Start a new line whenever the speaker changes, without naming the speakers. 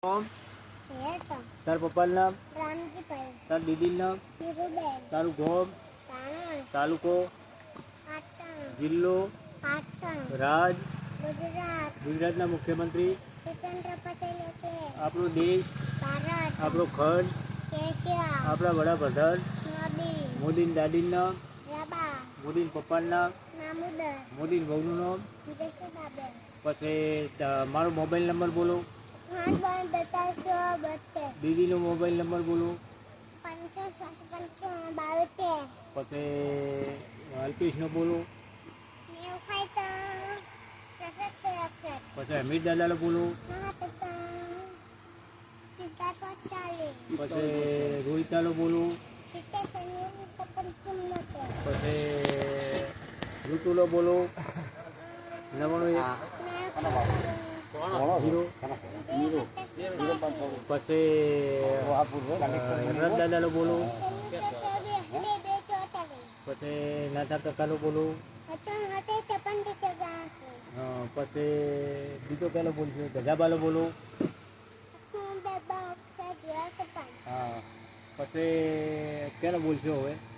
નામ તાર પપ્પાનું નામ તાર દીદીનું નામ તારું ગામ તાલુકો જિલ્લો રાજ ગુજરાતના મુખ્યમંત્રી આપણો દેશ આપણો ખંડ આપણા વડાપ્રધાન મોદીની દાદીનું નામ મોદીના પપ્પાનું નામ મોદીની વહુનું નામ પછી મારો મોબાઈલ નંબર બોલો દીદીનો મોબાઈલ નંબર બોલો પછી અલ્પેશનો બોલો પછી અમીર દાદાનો બોલો પછી રોહિતાનો બોલો પછી ઋતુનો બોલો 91 પછી દાદાનો બોલો પછી નાના કાકાનો બોલો પછી બીજો પેલો બોલશે ગજાબાલો બોલો હા પછી કેનો બોલશો હવે